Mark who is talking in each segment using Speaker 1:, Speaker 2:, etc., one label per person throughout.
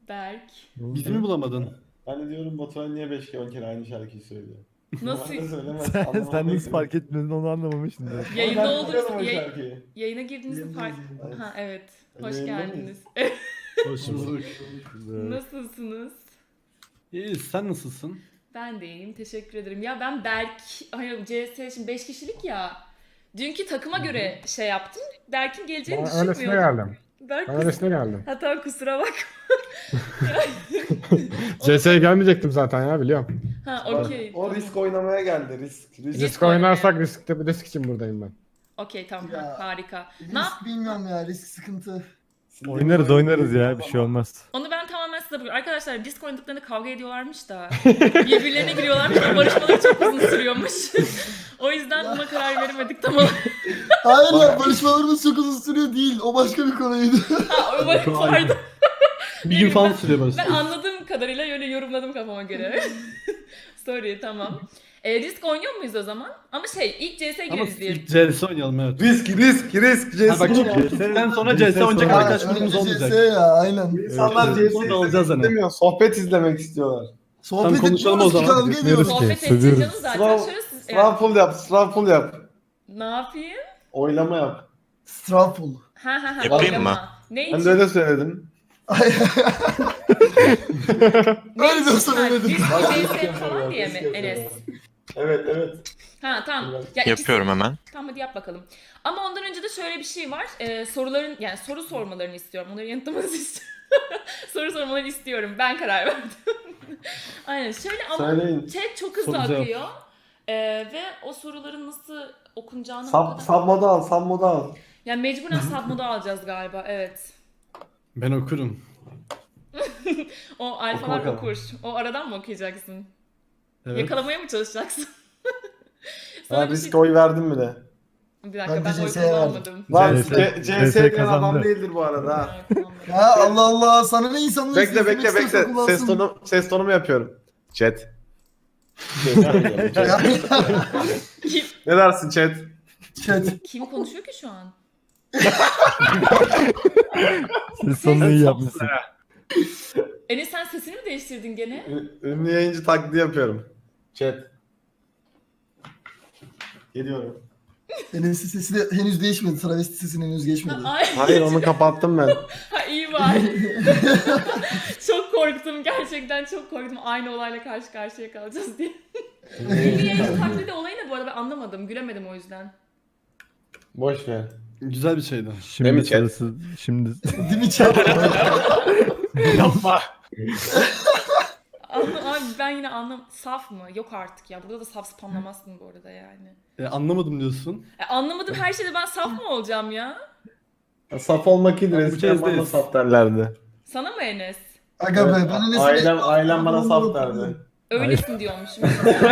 Speaker 1: Berk.
Speaker 2: Bizi mi bulamadın?
Speaker 3: Ben de diyorum Batuhan niye 5 kere aynı şarkıyı söylüyor.
Speaker 1: Nasıl?
Speaker 3: Normalde söylemez,
Speaker 4: Sen
Speaker 3: anlamadım.
Speaker 4: nasıl fark etmedin onu anlamamışsın.
Speaker 3: Ama
Speaker 1: Yayında
Speaker 3: ben
Speaker 1: olduğunuz
Speaker 3: biliyorum o şarkıyı.
Speaker 1: yayına girdiğinizde fark...
Speaker 3: Evet.
Speaker 1: Ha evet. Hoş
Speaker 3: Yayında
Speaker 1: geldiniz.
Speaker 2: Hoş bulduk.
Speaker 1: Nasılsınız?
Speaker 2: İyiyiz, sen nasılsın?
Speaker 1: Ben de iyiyim. Teşekkür ederim. Ya ben Berk... Hayır CS şimdi 5 kişilik ya. Dünkü takıma göre şey yaptım. Berk'in geleceğini
Speaker 5: Ben öylesine
Speaker 1: düşünmüyordum.
Speaker 5: geldim.
Speaker 1: Berk
Speaker 5: Ben öylesine geldim.
Speaker 1: Hatta kusura bak.
Speaker 5: CS'ye gelmeyecektim zaten ya biliyorum.
Speaker 1: Ha okey.
Speaker 3: O risk oynamaya geldi, risk.
Speaker 5: Risk oynarsak risk için buradayım ben.
Speaker 1: Okey tamam
Speaker 6: Ya,
Speaker 1: harika. Ne yap?
Speaker 6: Risk bilmiyorum ya, risk sıkıntı.
Speaker 4: Oynarız ya, bir şey olmaz.
Speaker 1: Onu ben tamamen size bırakıyorum. Arkadaşlar disk oynadıklarında kavga ediyorlarmış da. Birbirlerine giriyorlarmış da barışmaları çok uzun sürüyormuş. O yüzden buna karar veremedik tam olarak.
Speaker 6: Hayır ya, barışmalarımız çok uzun sürüyor değil. O başka bir konuydu.
Speaker 1: Ha, pardon.
Speaker 2: Bir gün falan sürüyor
Speaker 1: Ben
Speaker 2: başta.
Speaker 1: anladığım kadarıyla öyle yorumladım kafama göre. Sorry tamam. Disk oynuyor muyuz o zaman? Ama ilk CS
Speaker 2: Ama
Speaker 1: gireriz diye.
Speaker 2: ilk CS oynayalım evet.
Speaker 3: Risk.
Speaker 2: Ha, bak ben sonra CS oynayacak
Speaker 6: Ha,
Speaker 2: arkadaş
Speaker 6: önce
Speaker 2: grubumuz
Speaker 6: CS
Speaker 2: olmayacak.
Speaker 6: ya, aynen.
Speaker 3: İnsanlar
Speaker 2: Evet.
Speaker 3: CS'yi
Speaker 2: Alacağız hani.
Speaker 3: istemiyor, sohbet izlemek istiyorlar.
Speaker 6: Sohbet
Speaker 2: konuşalım o
Speaker 6: etmiyoruz ki,
Speaker 2: zaman.
Speaker 6: kavga ediyoruz.
Speaker 4: Etmiyoruz.
Speaker 1: Sohbet
Speaker 4: Okey,
Speaker 1: edeceğiz
Speaker 4: seviyoruz.
Speaker 1: canım zaten.
Speaker 3: Sınav-
Speaker 1: Şöyle
Speaker 3: Sınav full yap.
Speaker 1: ne yapayım?
Speaker 3: Oylama yap.
Speaker 6: Straful.
Speaker 1: Ha.
Speaker 7: Yapayım
Speaker 1: oylama.
Speaker 7: mı?
Speaker 1: Ne
Speaker 3: Ben
Speaker 1: için?
Speaker 3: de öyle söyledim.
Speaker 6: Öyle bir söyledim.
Speaker 1: Disk CS falan diye mi Enes?
Speaker 3: Evet.
Speaker 1: Ha tamam. Ya
Speaker 7: Yapıyorum hemen.
Speaker 1: Tamam hadi yap bakalım. Ama ondan önce de şöyle bir şey var. Soruların yani soru sormalarını istiyorum. Onları yanıtlamanızı istiyorum. Soru sormalarını istiyorum. Ben karar verdim. Aynen şöyle ama
Speaker 3: Söyleyin.
Speaker 1: chat çok hızlı
Speaker 2: Soru cevap.
Speaker 1: akıyor. Ve o soruların nasıl okunacağını
Speaker 3: Sabmoda al.
Speaker 1: Yani mecburen submoda alacağız galiba. Evet.
Speaker 2: Ben okurum.
Speaker 1: O
Speaker 3: Oku
Speaker 1: alfalar
Speaker 3: bakalım.
Speaker 1: okur. O aradan mı okuyacaksın?
Speaker 2: Evet.
Speaker 1: Yakalamaya mı çalışacaksın?
Speaker 3: Ben
Speaker 1: Sonra bir
Speaker 3: risk oy verdim bile.
Speaker 1: Bir dakika
Speaker 6: Ben de
Speaker 1: ben oy
Speaker 6: CS'ye verdim.
Speaker 1: kullanmadım.
Speaker 3: Lan
Speaker 4: CS
Speaker 3: CS diyen adam
Speaker 4: kazandı.
Speaker 3: değildir bu arada ha.
Speaker 1: Ben kullanmadım.
Speaker 6: Ya Allah Allah, sana ne insanlığı
Speaker 3: Bekle. Ses tonumu yapıyorum. Chat.
Speaker 1: Kim,
Speaker 3: Ne dersin chat?
Speaker 6: Chat.
Speaker 1: kim konuşuyor ki şu an?
Speaker 4: Siz sonunu iyi yapmışsın.
Speaker 1: Enes sen sesini mi değiştirdin gene?
Speaker 3: Ünlü yayıncı taklidi yapıyorum. Chat. Geliyorum.
Speaker 6: Enes'in sesi de henüz değişmedi. Travesti sesinin henüz geçmedi.
Speaker 1: Ay,
Speaker 3: Hayır onu kapattım ben.
Speaker 1: ha, iyi var. Çok korktum gerçekten çok korktum. Aynı olayla karşı karşıya kalacağız diye. Ünlü yayıncı taklidi olayı ne bu arada ben anlamadım. Gülemedim o yüzden.
Speaker 3: Boş ver.
Speaker 2: Güzel bir şeydi.
Speaker 3: Değil mi
Speaker 4: Şimdi
Speaker 3: chat?
Speaker 4: sırası, şimdi
Speaker 6: Değil mi chat?
Speaker 3: Yapma.
Speaker 1: Abi ben yine Saf mı? Yok artık ya. Burada da saf spamlamazsın bu arada yani.
Speaker 2: Anlamadım diyorsun.
Speaker 1: Anlamadım her şeyde ben saf mı olacağım ya?
Speaker 3: Saf olmak iyidir.
Speaker 2: Bu
Speaker 3: Eskiden
Speaker 2: kez
Speaker 3: bana
Speaker 2: değil.
Speaker 3: saf derlerdi.
Speaker 1: Sana mı Enes?
Speaker 6: Aga be, ben Enes'in...
Speaker 3: Ailem bana saf derdi.
Speaker 1: Öylesin diyormuşum.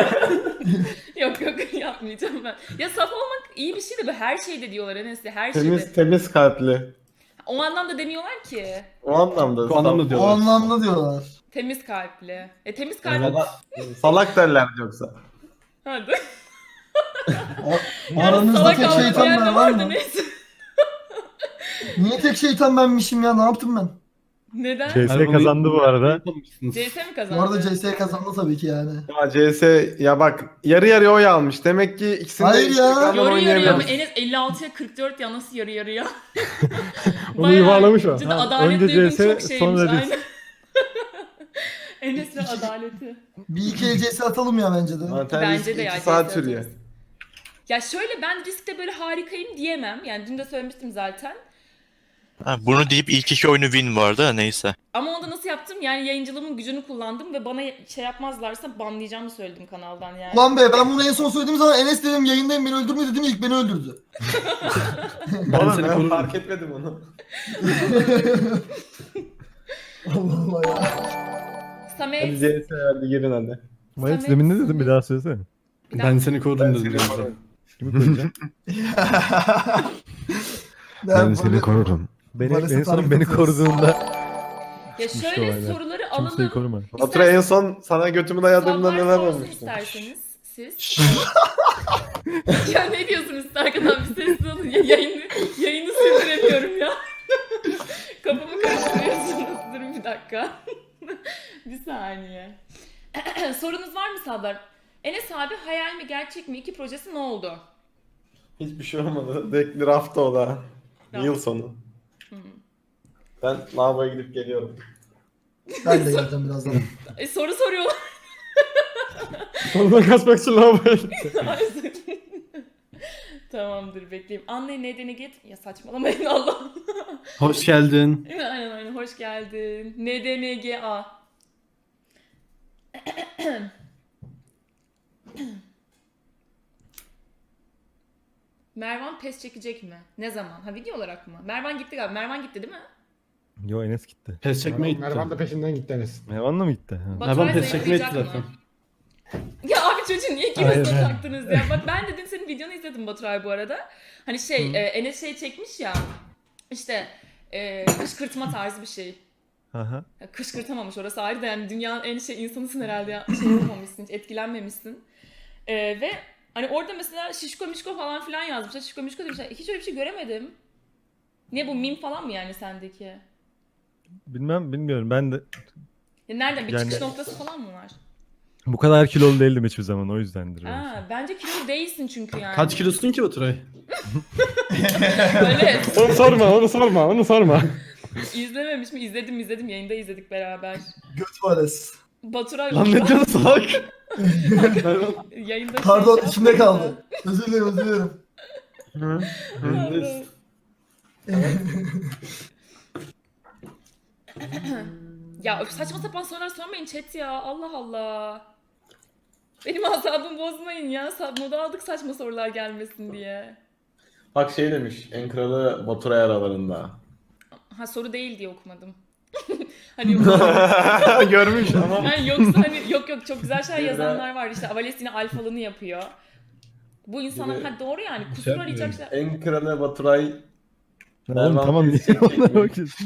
Speaker 1: yok yapmayacağım ben. Ya saf olmak iyi bir şey de her şeyde diyorlar Enes'le her şeyde.
Speaker 3: Temiz kalpli.
Speaker 1: O anlamda demiyorlar ki.
Speaker 3: O anlamda.
Speaker 2: Bu anlamda
Speaker 6: O
Speaker 2: diyorlar.
Speaker 6: anlamda diyorlar.
Speaker 1: Temiz kalpli. Temiz kalpli.
Speaker 2: Evet.
Speaker 3: Salak derler yoksa.
Speaker 1: Hadi.
Speaker 6: Aranızda
Speaker 1: Salak
Speaker 6: tek
Speaker 1: almak
Speaker 6: şeytan
Speaker 1: diyen de
Speaker 6: ben var
Speaker 1: vardı
Speaker 6: mı?
Speaker 1: neyse.
Speaker 6: Niye tek şeytan benmişim ya? Ne yaptım ben?
Speaker 1: Neden?
Speaker 4: CS kazandı bu arada.
Speaker 1: CS mi
Speaker 6: Bu
Speaker 1: kazandı?
Speaker 6: arada CS kazandı tabii ki yani.
Speaker 3: Ya CS ya bak yarı yarıya oy almış. Demek ki ikisini
Speaker 6: Hayır ya.
Speaker 3: ekrandan
Speaker 1: Yarı yarıya mı?
Speaker 3: oynayamıyoruz.
Speaker 1: Enes 56'ya 44 ya nasıl yarı yarıya?
Speaker 5: Onu
Speaker 1: Bayağı
Speaker 5: yuvarlamış o.
Speaker 1: cidden
Speaker 4: Ha,
Speaker 1: adalet
Speaker 4: önce
Speaker 1: duygun
Speaker 4: CS,
Speaker 1: çok şeymiş.
Speaker 4: sonra risk.
Speaker 1: Aynen. Enes ve adaleti.
Speaker 6: Bir iki el CS atalım ya bence de.
Speaker 1: Bence de ya.
Speaker 3: 2 saat
Speaker 1: CS
Speaker 3: sürüyor.
Speaker 1: atarız. Ya şöyle ben riskte böyle harikayım diyemem. Yani dün de söylemiştim zaten.
Speaker 7: Ha, bunu deyip ilk iki oyunu win vardı da neyse.
Speaker 1: Ama onu da nasıl yaptım? Yani yayıncılığımın gücünü kullandım ve bana şey yapmazlarsa banlayacağımı söyledim kanaldan yani.
Speaker 6: Ulan be, ben bunu en son söylediğim zaman Enes dedim yayındayım, beni öldürme dedim, ilk beni öldürdü.
Speaker 2: Ben seni
Speaker 3: Ben
Speaker 2: korurum.
Speaker 3: fark etmedim onu.
Speaker 6: Allah Allah ya.
Speaker 3: Hadi
Speaker 1: Samet.
Speaker 3: CS verdi girin hadi.
Speaker 4: Mayıs demin ne dedim bir daha söylesene.
Speaker 2: Ben seni korurum dedim.
Speaker 3: seni korurum.
Speaker 4: Kimi koyacağım?
Speaker 6: Ben böyle-
Speaker 4: korurum. Beni,
Speaker 6: Maalesef
Speaker 4: en son
Speaker 6: hareket
Speaker 4: beni
Speaker 6: ediyoruz.
Speaker 4: koruduğunda
Speaker 1: Ya
Speaker 4: Çıkmış
Speaker 1: şöyle
Speaker 4: olaylar.
Speaker 1: soruları
Speaker 4: kimseyi
Speaker 1: alalım.
Speaker 4: koruma.
Speaker 3: Batura en son sana götümü dayadığımda
Speaker 1: Sablar
Speaker 3: neler
Speaker 1: sorsun
Speaker 3: olmuştu?
Speaker 1: isterseniz siz. Ya ne diyorsunuz arkadan bir sessiz olun. Yayını sürdüremiyorum ya. Kafamı karıştırıyorsunuz. Durun bir dakika. Bir saniye. Sorunuz var mı Sadlar? Enes abi hayal mi gerçek mi? 2 projesi ne oldu?
Speaker 3: Hiçbir şey olmadı. Dekli rafta o da. Yıl sonu. Ben lavaboya gidip geliyorum.
Speaker 6: Ben de geleceğim birazdan.
Speaker 1: Soru soruyorlar.
Speaker 5: Oradan kaçmak için lavaboya
Speaker 1: Tamamdır bekleyeyim. Anlayın nedeni git. Ya saçmalamayın Allah.
Speaker 2: Hoş geldin.
Speaker 1: Aynen hoş geldin. NDNGA. Mervan pes çekecek mi? Ne zaman? Ha video olarak mı? Mervan gitti galiba. Mervan gitti değil mi?
Speaker 4: Yo Enes gitti.
Speaker 2: Pes çekmeye gitti.
Speaker 5: Mervan da peşinden gitti Enes.
Speaker 4: Mervan'la mı gitti? Ha.
Speaker 1: Baturay
Speaker 2: Mervan pes çekmeye gitti
Speaker 1: zayıflayacak
Speaker 2: zaten.
Speaker 1: mı? Ya abi çocuğun niye
Speaker 4: Aynen.
Speaker 1: kime taktınız ya? Bak ben de dün senin videonu izledim Baturay bu arada. Hani Enes şey çekmiş ya. İşte kışkırtma tarzı bir şey.
Speaker 4: Aha.
Speaker 1: Ya kışkırtamamış orası ayrı da yani dünyanın en insanısın herhalde ya. Şey yapamamışsın, hiç etkilenmemişsin. Ve hani orada mesela şişko mişko falan filan yazmışlar. Şişko mişko demişler. Hiç öyle bir şey göremedim. Ne bu meme falan mı yani sendeki?
Speaker 4: Bilmiyorum. Ben de
Speaker 1: Ya nereden bir
Speaker 4: Yani-
Speaker 1: çıkış noktası falan mı var?
Speaker 4: bu kadar kilolu değildim hiçbir zaman, o yüzdendir. belki.
Speaker 1: Bence kilolu değilsin çünkü yani.
Speaker 2: Kaç kilosun ki Baturay?
Speaker 1: Öyle.
Speaker 5: Onu sorma.
Speaker 1: İzlememiş mi? İzledim. Yayında izledik beraber.
Speaker 6: Göt varız.
Speaker 1: Baturay
Speaker 2: Lan ne diyorsun salak?
Speaker 1: yayında
Speaker 6: Pardon
Speaker 1: şey
Speaker 6: içimde
Speaker 1: yaptı.
Speaker 6: kaldı. Özür dilerim.
Speaker 1: Ya saçma sapan sorular sormayın chat ya. Allah Allah. Benim asabımı bozmayın ya. Moda aldık saçma sorular gelmesin diye.
Speaker 3: Bak şey demiş. En kralı Baturay aralarında.
Speaker 1: Ha soru değil diye okumadım. Hani yoksa,
Speaker 3: Görmüş ama.
Speaker 1: yani yoksa hani yok çok güzel şeyler yazanlar var. İşte Avales yine alfalını yapıyor. Bu insanlar
Speaker 3: Gibi.
Speaker 1: ha doğru yani kusur arayacak şeyler.
Speaker 3: En kralı Baturay.
Speaker 4: Ya oğlum
Speaker 3: Mervan
Speaker 4: tamam, niye
Speaker 3: pes çekecek
Speaker 4: onlara
Speaker 3: mi?
Speaker 4: bakıyorsun?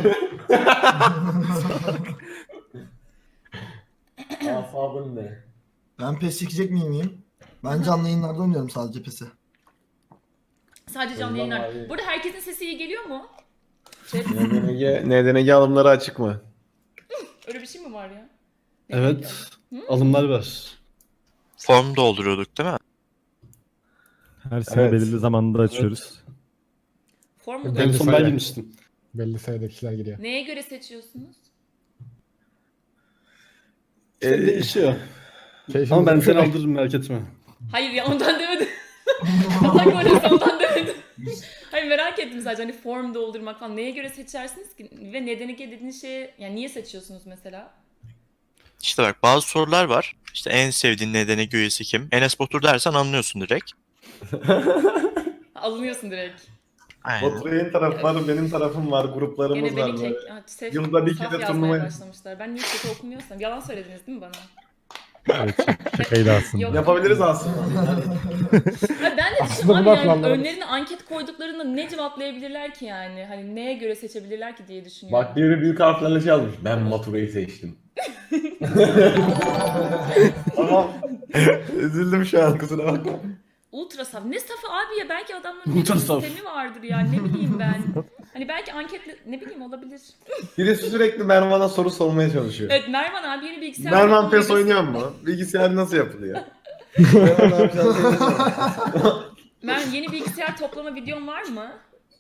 Speaker 3: Asabın ne?
Speaker 6: Ben pes çekecek miyim? Ben canlı yayınlarda oynuyorum sadece PES'i.
Speaker 1: Sadece canlı
Speaker 3: Ondan
Speaker 1: yayınlar.
Speaker 3: abi.
Speaker 1: Burada herkesin sesi iyi geliyor mu? Chat,
Speaker 3: NDNG alımları açık mı?
Speaker 1: öyle bir şey mi var ya?
Speaker 2: Evet. Alımlar var.
Speaker 7: Form dolduruyorduk değil mi?
Speaker 4: Her sene
Speaker 3: Evet.
Speaker 4: belirli zamanda açıyoruz.
Speaker 1: Form mu?
Speaker 5: Ben
Speaker 2: En
Speaker 5: de
Speaker 2: son ben
Speaker 5: söyle.
Speaker 2: girmiştim.
Speaker 5: Belli sayıda kişiler giriyor.
Speaker 1: Neye göre seçiyorsunuz?
Speaker 2: Değişiyor.
Speaker 5: Keyfimiz
Speaker 2: Ama ben
Speaker 5: yok.
Speaker 2: seni aldırırım merak etme.
Speaker 1: Hayır ya ondan demedim. Allah korusun ondan demedim. Hayır merak ettim sadece hani form doldurmak falan. Neye göre seçersiniz ki? Ve nedeni ki dediğiniz şeye yani niye seçiyorsunuz mesela?
Speaker 7: İşte bak bazı sorular var. İşte en sevdiğin nedeni üyesi kim? Enes Batur dersen anlıyorsun direkt.
Speaker 1: Alınıyorsun direkt.
Speaker 7: Aynen.
Speaker 3: Baturay'ın tarafı var, benim tarafım var, gruplarımız
Speaker 1: Gene
Speaker 3: var.
Speaker 1: beni
Speaker 3: böyle.
Speaker 1: kek... Ha, sef-
Speaker 3: Yılda bir
Speaker 1: saf
Speaker 3: kere
Speaker 1: yazmaya
Speaker 3: turnuva-
Speaker 1: başlamışlar. Ben niye kötü okumuyorsam. Yalan söylediniz değil mi bana?
Speaker 4: Evet, şakaydı aslında.
Speaker 1: Yok.
Speaker 3: Yapabiliriz aslında.
Speaker 1: Hayır, ben de
Speaker 5: Aslında
Speaker 1: düşündüm abi
Speaker 5: bunlar
Speaker 1: yani
Speaker 5: planlarımız.
Speaker 1: önlerine anket koyduklarında ne cevaplayabilirler ki yani? Hani neye göre seçebilirler ki diye düşünüyorum.
Speaker 3: Bak biri büyük harflerle şey yazmış. Ben Baturay'ı seçtim. Tamam. Üzüldüm şu an, kusura bakma.
Speaker 1: Ultra saf. Ne safı abi ya? Belki adamların
Speaker 2: Ultra
Speaker 1: bir
Speaker 2: saf.
Speaker 1: sistemi vardır yani. Ne bileyim ben. Hani belki anketle ne bileyim olabilir.
Speaker 3: Birisi sürekli Mervan'a soru sormaya çalışıyor.
Speaker 1: Evet Mervan abi yeni bilgisayar
Speaker 3: Mervan
Speaker 1: toplama
Speaker 3: PES
Speaker 1: videosu-
Speaker 3: oynuyor mu? Bilgisayar nasıl yapılıyor? Mervan abi sen söylesene.
Speaker 1: Mervan yeni bilgisayar toplama videon var mı?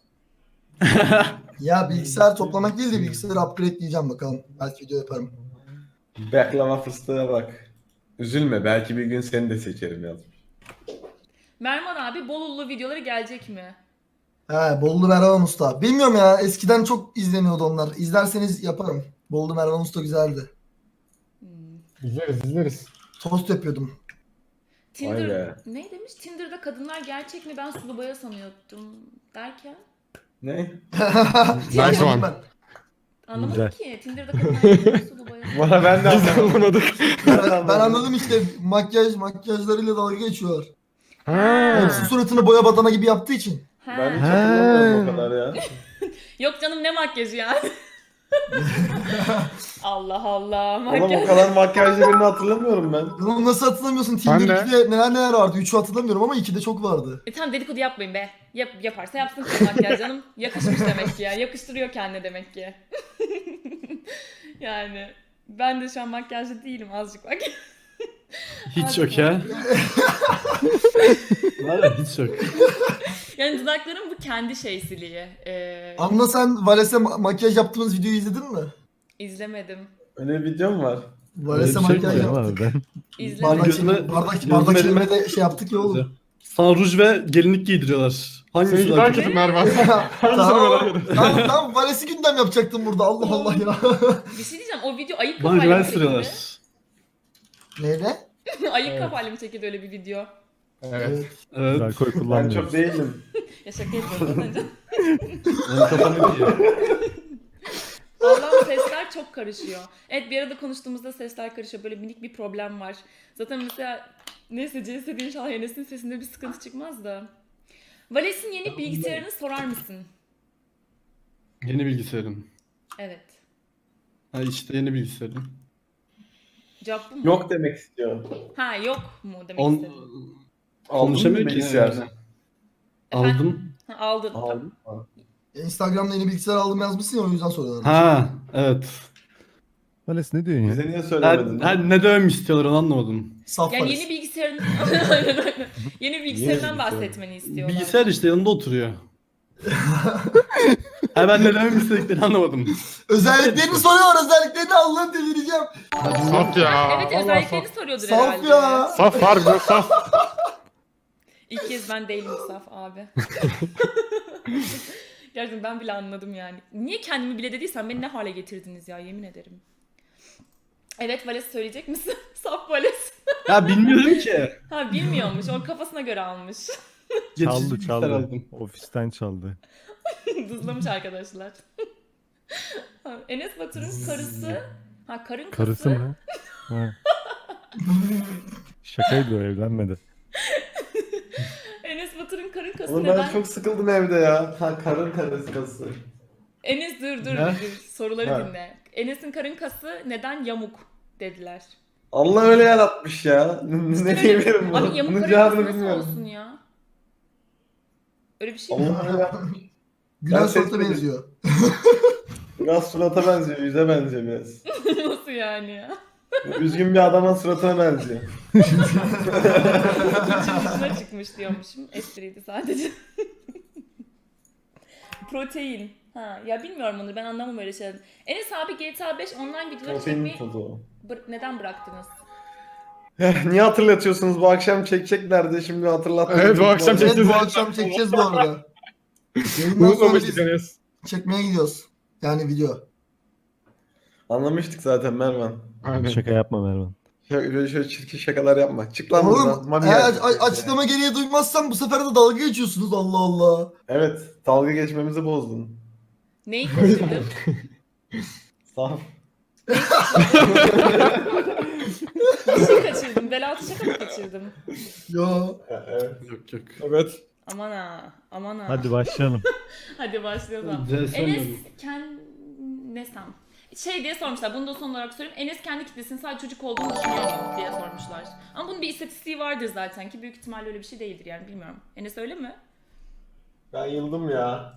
Speaker 6: Ya bilgisayar toplamak değil de bilgisayarı upgradeleyeceğim bakalım. Belki video yaparım.
Speaker 3: Baklava fıstığa bak. Üzülme, belki bir gün seni de seçerim yazmış.
Speaker 1: Mervan abi Bolulu videoları gelecek mi?
Speaker 6: He Bollu Mervan Usta. Bilmiyorum ya eskiden çok izleniyordu onlar. İzlerseniz yaparım. Bollu Mervan Usta güzeldi.
Speaker 5: İzleriz.
Speaker 6: Tost yapıyordum.
Speaker 3: Vay
Speaker 1: Tinder
Speaker 3: be.
Speaker 1: ne demiş? Tinder'da kadınlar gerçek mi? Ben sulu boya sanıyordum derken.
Speaker 3: Ne?
Speaker 5: Nice one.
Speaker 6: Ben,
Speaker 1: Anlamadım
Speaker 4: Güzel.
Speaker 1: ki. Tinder'da kadınlar gerçek mi? Sulu boya.
Speaker 3: Bana ben de anlamadım.
Speaker 6: ben anladım işte makyajlarıyla dalga geçiyorlar.
Speaker 5: Ha.
Speaker 6: Hepsi suratını boya badana gibi yaptığı için.
Speaker 1: Ha.
Speaker 3: Ben hiç hatırlamıyorum o kadar ya.
Speaker 1: Yok canım ne makyajı yani? Allah Allah
Speaker 3: Oğlum
Speaker 1: makyaj.
Speaker 3: o kadar makyajlı birini hatırlamıyorum ben.
Speaker 6: Bunu nasıl hatırlamıyorsun?
Speaker 5: Ben
Speaker 6: Tinder
Speaker 5: de.
Speaker 6: 2'de neler vardı? 3'ü hatırlamıyorum ama 2'de çok vardı.
Speaker 1: Tamam dedikodu yapmayın be. Yaparsa yapsın kız makyaj canım. Yakışmış demek ki ya. Yakıştırıyor kendine demek ki. Yani ben de şu an makyajlı değilim azıcık bak.
Speaker 2: Hiç yok ya. Var ya hiç yok.
Speaker 1: Yani dudaklarım bu kendi şeysiliği.
Speaker 6: Anla sen Vales'e makyaj yaptığımız videoyu izledin mi?
Speaker 1: İzlemedim.
Speaker 3: Öyle bir video mu var?
Speaker 6: Vales'e
Speaker 2: Öyle bir şey
Speaker 6: makyaj
Speaker 2: mi
Speaker 4: Ama
Speaker 6: yaptık.
Speaker 4: ben
Speaker 1: İzlemedim.
Speaker 6: Bardak,
Speaker 2: Gözüme-
Speaker 6: bardak
Speaker 2: gözüme-
Speaker 6: çekimine de şey yaptık ya oğlum.
Speaker 2: Sana ruj ve gelinlik giydiriyorlar. Hangisi
Speaker 5: Seninki
Speaker 2: daha
Speaker 5: daha
Speaker 2: kötü?
Speaker 5: kötü Mervan.
Speaker 6: Tamam Vales'i gündem yapacaktım burada. Allah Allah ya.
Speaker 1: Bir şey diyeceğim, o video ayık
Speaker 2: Bana
Speaker 1: kafayla
Speaker 2: güven
Speaker 1: mı çekildi?
Speaker 2: sürüyorlar.
Speaker 6: Neyle?
Speaker 1: Ayık kafayla mı çekildi öyle bir video?
Speaker 5: Evet.
Speaker 2: Evet.
Speaker 4: alkol
Speaker 3: Ben
Speaker 4: kullanmıyorum.
Speaker 3: çok değilim.
Speaker 1: Ya şaka yapıyorum önce.
Speaker 2: Benim kafam iyi.
Speaker 1: Allah'ım sesler çok karışıyor. Evet, bir arada konuştuğumuzda sesler karışıyor. Böyle minik bir problem var. Zaten mesela neyse CS'de inşallah Enes'in sesinde bir sıkıntı çıkmaz da. Vales'in yeni bilgisayarını sorar mısın?
Speaker 2: Yeni bilgisayarım.
Speaker 1: Evet.
Speaker 2: Ha işte yeni bilgisayarım.
Speaker 1: Cevap bu mu?
Speaker 3: Yok demek istiyor.
Speaker 1: Ha, yok mu demek
Speaker 2: On...
Speaker 1: istedim.
Speaker 2: Konuşamıyor ki.
Speaker 3: bilgisayar.
Speaker 2: Yani. Aldım.
Speaker 1: Ha, aldın.
Speaker 3: Aldım.
Speaker 6: Instagram'da yeni bilgisayar aldım yazmışsın ya o yüzden soruyorlar.
Speaker 2: Ha evet.
Speaker 4: Vales ne diyorsun ya?
Speaker 3: Bize niye söylemedin?
Speaker 2: Ne dememi istiyorlar onu anlamadım.
Speaker 6: Saf
Speaker 1: Yani
Speaker 6: Vales.
Speaker 1: yeni bilgisayarın Aynen, aynen. Yeni bilgisayarından
Speaker 3: bilgisayar?
Speaker 1: bahsetmeni istiyorlar.
Speaker 2: Bilgisayar işte yanında oturuyor. Ha ben ne dememi istediklerini anlamadım.
Speaker 6: Özelliklerini soruyor. Özelliklerini Allah'ım delireceğim.
Speaker 5: Saf ya.
Speaker 1: Evet,
Speaker 5: Vallahi
Speaker 1: özelliklerini
Speaker 5: saf.
Speaker 1: soruyordur
Speaker 6: Saf
Speaker 1: herhalde.
Speaker 6: ya.
Speaker 5: Saf harbi saf.
Speaker 1: İlk kez ben değilim Saf abi. Gerçekten ben bile anladım yani. Niye kendimi bile dediysem beni ne hale getirdiniz ya, yemin ederim. Evet, Vales söyleyecek misin? Saf Vales.
Speaker 2: Ya bilmiyorum ki.
Speaker 1: Ha, bilmiyormuş. O kafasına göre almış.
Speaker 2: Geçici
Speaker 4: Çaldı
Speaker 2: bilgisayar
Speaker 4: çaldı.
Speaker 2: aldım.
Speaker 4: Ofisten çaldı.
Speaker 1: Dızlamış arkadaşlar. Ha, Enes Batur'un karısı. Ha, karın
Speaker 4: Karısı
Speaker 1: kası.
Speaker 4: mı? Ha. Şakaydı o, evlenmedi.
Speaker 1: Enes Batur'un karın kası
Speaker 3: Oğlum
Speaker 1: neden?
Speaker 3: ben çok sıkıldım evde ya. Ha, karın karısı.
Speaker 1: Enes dur
Speaker 2: Ne?
Speaker 1: soruları
Speaker 3: Ha.
Speaker 1: dinle. Enes'in karın kası neden yamuk dediler.
Speaker 3: Allah öyle yaratmış ya. Ne diyebilirim
Speaker 1: Abi
Speaker 3: bunu?
Speaker 1: yamuk
Speaker 3: Bunun
Speaker 1: karın kası
Speaker 3: cevabını
Speaker 1: nasıl
Speaker 3: bilmiyorum.
Speaker 1: olsun ya? Öyle bir şey mi?
Speaker 3: Allah öyle yapmış.
Speaker 6: Gülen
Speaker 3: Ben
Speaker 6: Suat'a
Speaker 3: seçmedim.
Speaker 6: benziyor.
Speaker 3: Biraz surata benziyor, yüze benziyor biraz.
Speaker 1: Nasıl yani ya?
Speaker 3: Üzgün bir adamın suratına benziyor.
Speaker 1: Dışına çıkmış diyormuşum. Espriydi sadece. Protein. Ha, ya bilmiyorum onu, ben anlamam öyle şeyler. Enes abi GTA 5 online videoları
Speaker 3: Protein
Speaker 1: çekmeyi
Speaker 3: tozu.
Speaker 1: neden bıraktınız?
Speaker 3: Niye hatırlatıyorsunuz? Bu akşam çekeceklerdi, şimdi hatırlattınız.
Speaker 5: Evet, bu akşam
Speaker 6: Evet
Speaker 5: çekeceğiz.
Speaker 6: bu akşam çekeceğiz bu arada. Yayından sonra
Speaker 5: Unutmamıştık
Speaker 6: biz
Speaker 5: Enes.
Speaker 6: çekmeye gidiyoruz. Yani video.
Speaker 3: Anlamıştık zaten Mervan.
Speaker 5: Aynen.
Speaker 4: Şaka yapma Mervan.
Speaker 3: Şöyle çirkin şakalar yapma. Çık lan
Speaker 6: Oğlum
Speaker 3: buradan. Mami
Speaker 6: eğer
Speaker 3: geldi.
Speaker 6: açıklama gereği duymazsam bu sefer de dalga geçiyorsunuz Allah Allah.
Speaker 3: Evet, dalga geçmemizi bozdun.
Speaker 1: Neyi kaçırdım?
Speaker 3: Saf.
Speaker 1: Bir şey kaçırdım. Belaltı şaka mı kaçırdım?
Speaker 6: Yo.
Speaker 3: Evet.
Speaker 2: Yok yok.
Speaker 3: Evet.
Speaker 1: Aman ha. Aman ha.
Speaker 4: Hadi başlayalım.
Speaker 1: Hadi başlayalım.
Speaker 2: CS
Speaker 1: Enes
Speaker 2: oynadım.
Speaker 1: nesem? Şey diye sormuşlar. Bunu da son olarak sorayım. Enes kendi kitlesinin sadece çocuk olduğunu düşünüyor mu diye sormuşlar. Ama bunun bir istatistiği vardır zaten ki büyük ihtimalle öyle bir şey değildir yani, bilmiyorum. Enes öyle mi?
Speaker 3: Ben yıldım ya.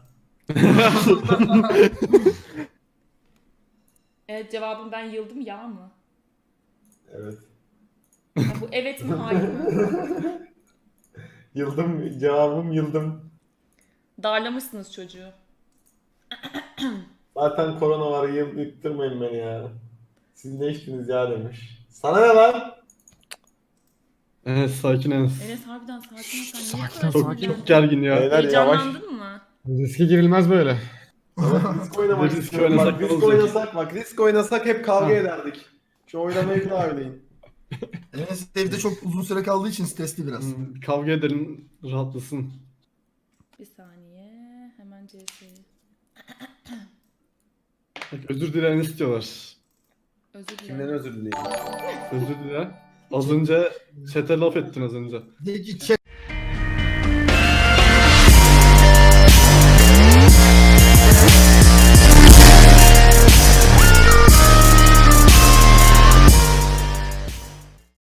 Speaker 1: Evet, cevabım ben yıldım ya mı?
Speaker 3: Evet.
Speaker 1: Ya bu evet mi hayır mı?
Speaker 3: Yıldım. Cevabım yıldım.
Speaker 1: Darlamışsınız çocuğu.
Speaker 3: Zaten korona var, yıktırmayın beni ya. Siz ne içtiniz ya demiş. Sana ne lan?
Speaker 2: Evet sakin Enes.
Speaker 1: Enes harbiden sakin ol, sen niye
Speaker 5: Sakin
Speaker 1: bu
Speaker 5: ol,
Speaker 1: kadar
Speaker 2: Çok,
Speaker 1: sinirlendin?
Speaker 2: çok gergin ya.
Speaker 3: Beyler yavaş.
Speaker 1: Heyecanlandın mı?
Speaker 5: Riske girilmez böyle.
Speaker 3: Risk oynamak
Speaker 2: Risk
Speaker 3: istiyorum.
Speaker 2: oynasak
Speaker 3: Bak,
Speaker 2: ne
Speaker 3: risk
Speaker 2: olacak?
Speaker 3: oynasak bak. Risk oynasak hep kavga
Speaker 2: Ha.
Speaker 3: ederdik. Şu oynamayı bir daha oynayın.
Speaker 6: Enes evde çok uzun süre kaldığı için stresli biraz.
Speaker 2: Kavga edelim rahatlasın.
Speaker 1: Bir saniye. Hemen CS'yi.
Speaker 2: Bak, özür dilerini istiyorlar.
Speaker 1: Özür
Speaker 3: Kimden
Speaker 1: dilerim.
Speaker 3: özür dileyim?
Speaker 2: Özür dile. Az önce chat'e laf ettin az önce.
Speaker 6: De ki chat